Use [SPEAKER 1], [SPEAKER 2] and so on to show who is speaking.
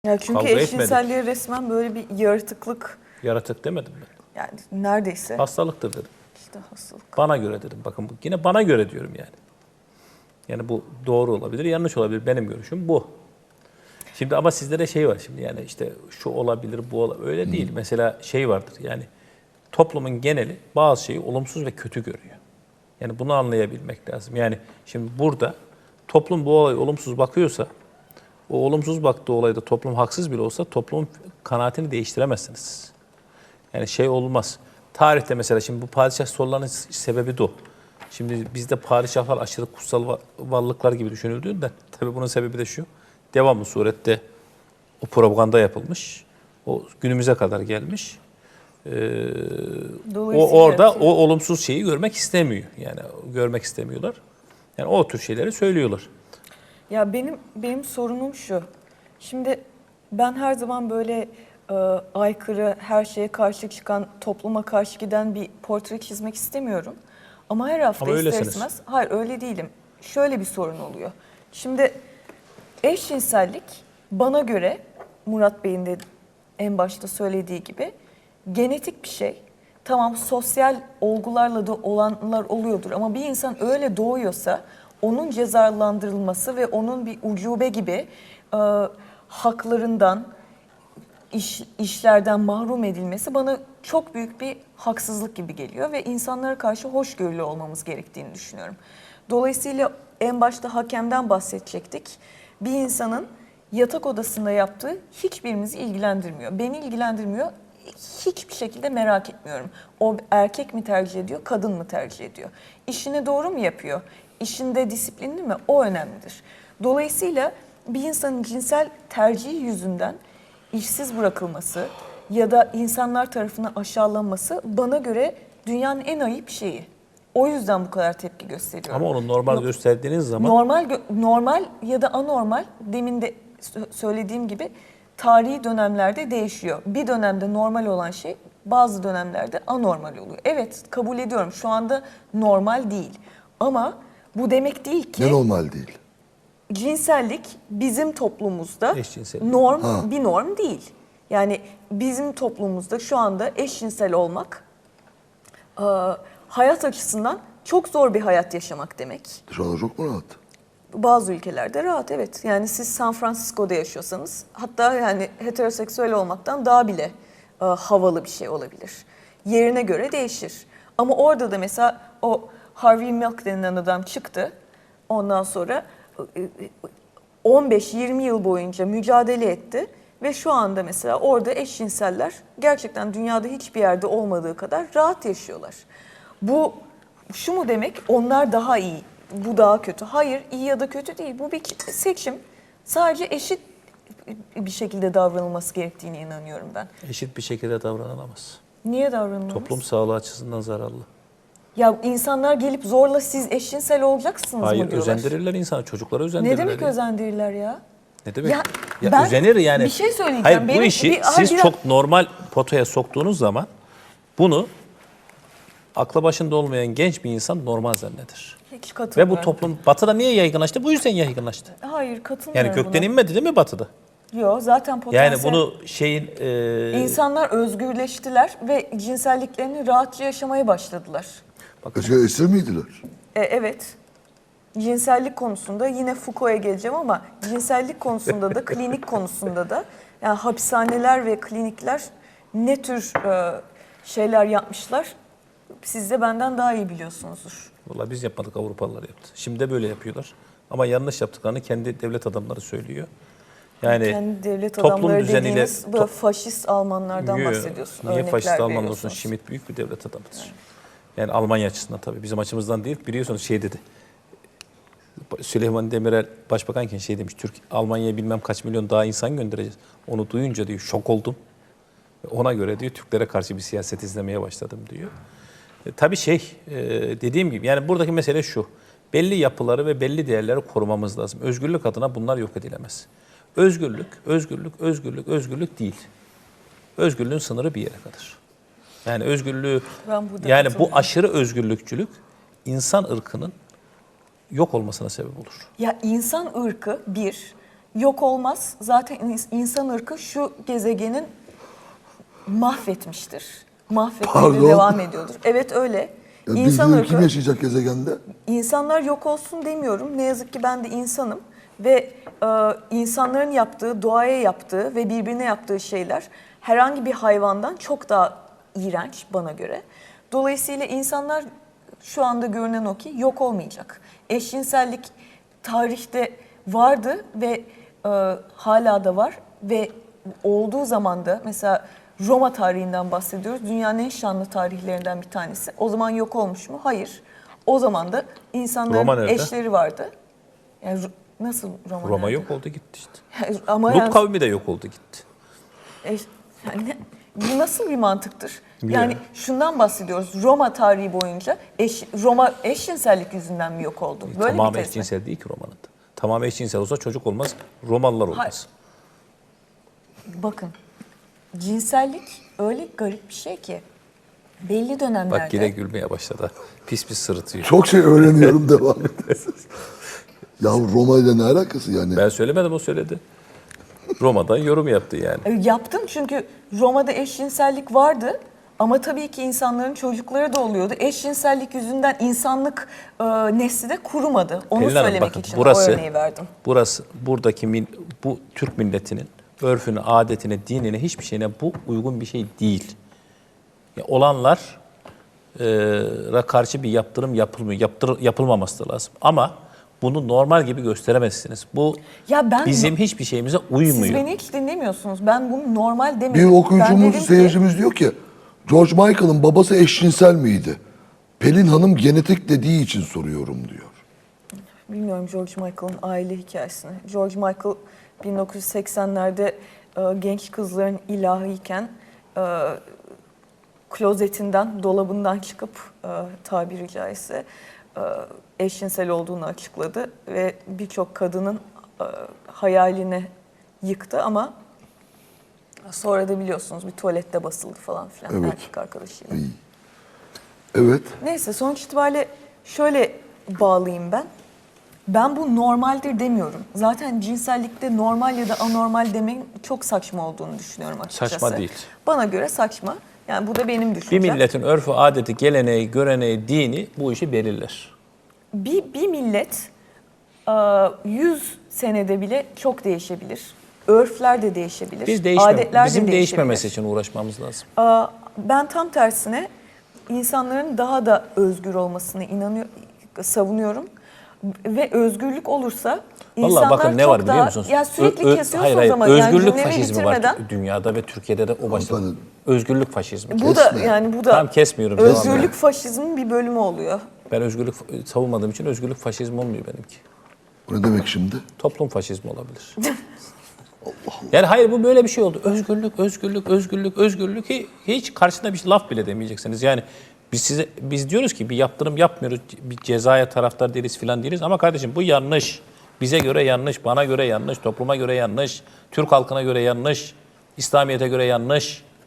[SPEAKER 1] Ya çünkü
[SPEAKER 2] Kavga etmedik.
[SPEAKER 1] eşcinselliğe resmen böyle bir yaratıklık,
[SPEAKER 2] Yaratık demedim ben.
[SPEAKER 1] yani neredeyse
[SPEAKER 2] Hastalıktır dedim.
[SPEAKER 1] işte hastalık.
[SPEAKER 2] Bana göre dedim. Bakın yine bana göre diyorum yani. Yani bu doğru olabilir, yanlış olabilir. Benim görüşüm bu. Şimdi ama sizde şey var şimdi, yani işte şu olabilir, bu olabilir. Öyle değil. Mesela şey vardır yani, toplumun geneli bazı şeyi olumsuz ve kötü görüyor. Yani bunu anlayabilmek lazım. Yani şimdi burada toplum bu olaya olumsuz bakıyorsa, o olumsuz baktığı olayda toplum haksız bile olsa toplumun kanaatini değiştiremezsiniz. Yani şey olmaz. Tarihte mesela şimdi bu padişah sorularının sebebi de o. Şimdi bizde padişahlar aşırı kutsal varlıklar gibi düşünüldüğünde tabii bunun sebebi de şu. Devamlı surette o propaganda yapılmış. O günümüze kadar gelmiş. O orada o olumsuz şeyi görmek istemiyor. Yani görmek istemiyorlar. Yani o tür şeyleri söylüyorlar.
[SPEAKER 1] Ya benim sorunum şu. Şimdi ben her zaman böyle aykırı, her şeye karşı çıkan, topluma karşı giden bir portre çizmek istemiyorum. Ama her hafta
[SPEAKER 2] Ama
[SPEAKER 1] ister
[SPEAKER 2] öylesiniz.
[SPEAKER 1] istemez, hayır öyle değilim. Şöyle bir sorun oluyor. Şimdi eşcinsellik bana göre Murat Bey'in de en başta söylediği gibi genetik bir şey. Tamam, sosyal olgularla da olanlar oluyordur ama bir insan öyle doğuyorsa onun cezalandırılması ve onun bir ucube gibi haklarından, işlerden mahrum edilmesi bana çok büyük bir haksızlık gibi geliyor ve insanlara karşı hoşgörülü olmamız gerektiğini düşünüyorum. Dolayısıyla en başta hakemden bahsedecektik. Bir insanın yatak odasında yaptığı hiçbirimizi ilgilendirmiyor. Beni ilgilendirmiyor. Hiçbir şekilde merak etmiyorum. O erkek mi tercih ediyor, kadın mı tercih ediyor? İşini doğru mu yapıyor? İşinde disiplinli mi? O önemlidir. Dolayısıyla bir insanın cinsel tercihi yüzünden işsiz bırakılması ya da insanlar tarafından aşağılanması bana göre dünyanın en ayıp şeyi. O yüzden bu kadar tepki gösteriyorum.
[SPEAKER 2] Ama onu normal gösterdiğiniz zaman
[SPEAKER 1] Normal ya da anormal, demin de söylediğim gibi tarihi dönemlerde değişiyor. Bir dönemde normal olan şey bazı dönemlerde anormal oluyor. Evet, kabul ediyorum, şu anda normal değil. Ama bu demek değil ki
[SPEAKER 3] Ne normal değil.
[SPEAKER 1] cinsellik bizim toplumumuzda
[SPEAKER 2] Eşcinsellik.
[SPEAKER 1] bir norm değil. Yani bizim toplumumuzda şu anda eşcinsel olmak hayat açısından çok zor bir hayat yaşamak demek.
[SPEAKER 3] Dışarıda çok mu rahat?
[SPEAKER 1] Bazı ülkelerde rahat, evet. Yani siz San Francisco'da yaşıyorsanız hatta yani heteroseksüel olmaktan daha bile havalı bir şey olabilir. Yerine göre değişir. Ama orada da mesela o Harvey Milk denilen adam çıktı. Ondan sonra 15-20 yıl boyunca mücadele etti ve şu anda mesela orada eşcinseller gerçekten dünyada hiçbir yerde olmadığı kadar rahat yaşıyorlar. Bu şu mu demek? Onlar daha iyi, bu daha kötü. Hayır, iyi ya da kötü değil. Bu bir seçim. Sadece eşit bir şekilde davranılması gerektiğine inanıyorum ben.
[SPEAKER 2] eşit bir şekilde davranılamaz.
[SPEAKER 1] Niye davranılamaz?
[SPEAKER 2] Toplum sağlığı açısından zararlı.
[SPEAKER 1] Ya insanlar gelip zorla siz eşcinsel olacaksınız
[SPEAKER 2] Hayır,
[SPEAKER 1] mı diyorlar.
[SPEAKER 2] özendirirler insanı, çocuklara özendirirler.
[SPEAKER 1] Ne demek
[SPEAKER 2] ya.
[SPEAKER 1] özendirirler ya?
[SPEAKER 2] Ne demek?
[SPEAKER 1] Ya
[SPEAKER 2] Ya
[SPEAKER 1] ben
[SPEAKER 2] özenir yani.
[SPEAKER 1] bir şey söyleyeceğim.
[SPEAKER 2] Hayır, bu
[SPEAKER 1] Benim
[SPEAKER 2] işi siz çok normal potaya soktuğunuz zaman bunu aklı başında olmayan genç bir insan normal zanneder.
[SPEAKER 1] hiç
[SPEAKER 2] Ve
[SPEAKER 1] katılmıyorum.
[SPEAKER 2] bu toplum batıda niye yaygınlaştı? Bu yüzden yaygınlaştı.
[SPEAKER 1] Hayır, katılmıyorum
[SPEAKER 2] Yani gökten
[SPEAKER 1] buna.
[SPEAKER 2] inmedi değil mi batıda?
[SPEAKER 1] Yok, zaten potansiyel.
[SPEAKER 2] Yani bunu şeyin
[SPEAKER 1] İnsanlar özgürleştiler ve cinselliklerini rahatça yaşamaya başladılar.
[SPEAKER 3] Eskiden esir miydiler?
[SPEAKER 1] Evet. Cinsellik konusunda yine Foucault'a geleceğim ama cinsellik konusunda da klinik konusunda da yani hapishaneler ve klinikler ne tür şeyler yapmışlar siz de benden daha iyi biliyorsunuzdur.
[SPEAKER 2] vallahi biz yapmadık, Avrupalılar yaptı. Şimdi de böyle yapıyorlar. Ama yanlış yaptıklarını kendi devlet adamları söylüyor. Yani
[SPEAKER 1] kendi devlet
[SPEAKER 2] toplum
[SPEAKER 1] adamları
[SPEAKER 2] düzeniyle
[SPEAKER 1] dediğiniz bu faşist Almanlardan bahsediyorsun.
[SPEAKER 2] Niye
[SPEAKER 1] örnekler
[SPEAKER 2] faşist Almanlar olsun?
[SPEAKER 1] veriyorsunuz.
[SPEAKER 2] Schmidt büyük bir devlet adamıdır. Yani Almanya açısından tabii. Bizim açımızdan değil. Biliyorsunuz şey dedi. Süleyman Demirel başbakanken şey demiş. Almanya'ya bilmem kaç milyon daha insan göndereceğiz. Onu duyunca diyor şok oldum. Ona göre diyor Türklere karşı bir siyaset izlemeye başladım diyor. Tabii dediğim gibi yani buradaki mesele şu. Belli yapıları ve belli değerleri korumamız lazım. Özgürlük adına bunlar yok edilemez. Özgürlük değil. Özgürlüğün sınırı bir yere kadar. Yani özgürlüğü, yani bu aşırı özgürlükçülük insan ırkının yok olmasına sebep olur.
[SPEAKER 1] Ya insan ırkı bir, yok olmaz. Zaten insan ırkı şu gezegenin mahvetmiştir. Mahvetmeye
[SPEAKER 3] Pardon?
[SPEAKER 1] de devam ediyordur. Evet öyle.
[SPEAKER 3] Ya
[SPEAKER 1] İnsan
[SPEAKER 3] bizim kim
[SPEAKER 1] ırkı,
[SPEAKER 3] yaşayacak gezegende?
[SPEAKER 1] insanlar yok olsun demiyorum. Ne yazık ki ben de insanım. Ve insanların yaptığı, doğaya yaptığı ve birbirine yaptığı şeyler herhangi bir hayvandan çok daha iğrenç bana göre. Dolayısıyla insanlar şu anda görünen o ki yok olmayacak. Eşcinsellik tarihte vardı ve hala da var ve olduğu zaman da mesela Roma tarihinden bahsediyoruz. Dünyanın en şanlı tarihlerinden bir tanesi. O zaman yok olmuş mu? Hayır. O zaman da
[SPEAKER 2] Roma
[SPEAKER 1] insanların
[SPEAKER 2] nerede?
[SPEAKER 1] eşleri vardı. Yani nasıl Roma
[SPEAKER 2] Roma
[SPEAKER 1] nerede?
[SPEAKER 2] yok oldu gitti işte.
[SPEAKER 1] Ama
[SPEAKER 2] Lut
[SPEAKER 1] yani,
[SPEAKER 2] kavmi de yok oldu gitti.
[SPEAKER 1] yani bu nasıl bir mantıktır?
[SPEAKER 2] Bilmiyorum.
[SPEAKER 1] Yani şundan bahsediyoruz. Roma tarihi boyunca Roma eşcinsellik yüzünden mi yok oldu? Böyle
[SPEAKER 2] Tamamı
[SPEAKER 1] bir tez mi?
[SPEAKER 2] eşcinsel değil ki Roma'nın da. Tamamı eşcinsel olsa çocuk olmaz, Romalılar olmaz.
[SPEAKER 1] Hayır. Bakın, cinsellik öyle garip bir şey ki belli dönemlerde...
[SPEAKER 2] Bak yine gülmeye başladı. Pis pis sırıtıyor.
[SPEAKER 3] Çok şey öğreniyorum devam et. Ya Roma ile ne alakası yani?
[SPEAKER 2] Ben söylemedim, o söyledi. Roma'dan yorum yaptı yani.
[SPEAKER 1] Yaptım çünkü Roma'da eşcinsellik vardı ama tabii ki insanların çocukları da oluyordu. Eşcinsellik yüzünden insanlık nesli de kurumadı. Onu
[SPEAKER 2] Pelin Hanım,
[SPEAKER 1] söylemek
[SPEAKER 2] bakın,
[SPEAKER 1] için
[SPEAKER 2] burası-
[SPEAKER 1] o örneği verdim.
[SPEAKER 2] Burası, buradaki bu Türk milletinin örfüne, adetine, dinine, hiçbir şeyine bu uygun bir şey değil. Ya olanlar karşı bir yaptırım yapılmıyor. Yapılmaması da lazım. Ama bunu normal gibi gösteremezsiniz. Bu
[SPEAKER 1] Ya ben
[SPEAKER 2] bizim hiçbir şeyimize uymuyor.
[SPEAKER 1] Siz beni hiç dinlemiyorsunuz. Ben bunu normal
[SPEAKER 3] Bir
[SPEAKER 1] demedim. Ben
[SPEAKER 3] okuyucumuz,
[SPEAKER 1] dedim ki-
[SPEAKER 3] seyircimiz diyor ki George Michael'ın babası eşcinsel miydi? Pelin Hanım genetik dediği için soruyorum diyor.
[SPEAKER 1] Bilmiyorum George Michael'ın aile hikayesini. George Michael 1980'lerde genç kızların ilahıyken klozetinden, dolabından çıkıp tabiri caizse eşcinsel olduğunu açıkladı ve birçok kadının hayalini yıktı ama sonra da biliyorsunuz bir tuvalette basıldı falan filan
[SPEAKER 3] Evet.
[SPEAKER 1] erkek arkadaşıyla.
[SPEAKER 3] İyi. Evet.
[SPEAKER 1] Neyse sonuç itibariyle şöyle bağlayayım ben. Ben bu normaldir demiyorum. Zaten cinsellikte normal ya da anormal demenin çok saçma olduğunu düşünüyorum açıkçası.
[SPEAKER 2] Saçma değil.
[SPEAKER 1] Bana göre saçma. Yani bu da benim
[SPEAKER 2] Bir
[SPEAKER 1] düşüncem.
[SPEAKER 2] milletin örfü, adeti, geleneği, göreneği, dini bu işi belirler.
[SPEAKER 1] Bir millet 100 senede bile çok değişebilir. Örfler de değişebilir. Adetler
[SPEAKER 2] Bizim
[SPEAKER 1] de
[SPEAKER 2] değişmemesi
[SPEAKER 1] değişebilir.
[SPEAKER 2] için uğraşmamız lazım.
[SPEAKER 1] Ben tam tersine insanların daha da özgür olmasını savunuyorum. Ve özgürlük olursa insanlar
[SPEAKER 2] Vallahi bakın ne
[SPEAKER 1] çok
[SPEAKER 2] var biliyor
[SPEAKER 1] daha...
[SPEAKER 2] musunuz?
[SPEAKER 1] Ya sürekli kesiyorsunuz
[SPEAKER 2] hayır, hayır.
[SPEAKER 1] ama
[SPEAKER 2] Özgürlük
[SPEAKER 1] cümlemi
[SPEAKER 2] faşizmi var
[SPEAKER 1] bitirmeden-
[SPEAKER 2] dünyada ve Türkiye'de de o başta.
[SPEAKER 3] Hanımefendi.
[SPEAKER 2] Özgürlük faşizmi.
[SPEAKER 1] Bu da
[SPEAKER 3] Kesme.
[SPEAKER 1] yani bu da
[SPEAKER 2] Tamam, kesmiyorum, devam
[SPEAKER 1] özgürlük
[SPEAKER 2] edelim.
[SPEAKER 1] faşizmin bir bölümü oluyor.
[SPEAKER 2] Ben özgürlük savunmadığım için özgürlük faşizmi olmuyor benimki.
[SPEAKER 3] O ne demek şimdi?
[SPEAKER 2] Toplum faşizmi olabilir. Yani hayır, bu böyle bir şey oldu. Özgürlük, özgürlük, özgürlük, özgürlük. Hiç karşısında bir laf bile demeyeceksiniz. Yani biz diyoruz ki bir yaptırım yapmıyoruz, bir cezaya taraftar değiliz filan değiliz. Ama kardeşim bu yanlış. Bize göre yanlış, bana göre yanlış, topluma göre yanlış, Türk halkına göre yanlış, İslamiyet'e göre yanlış.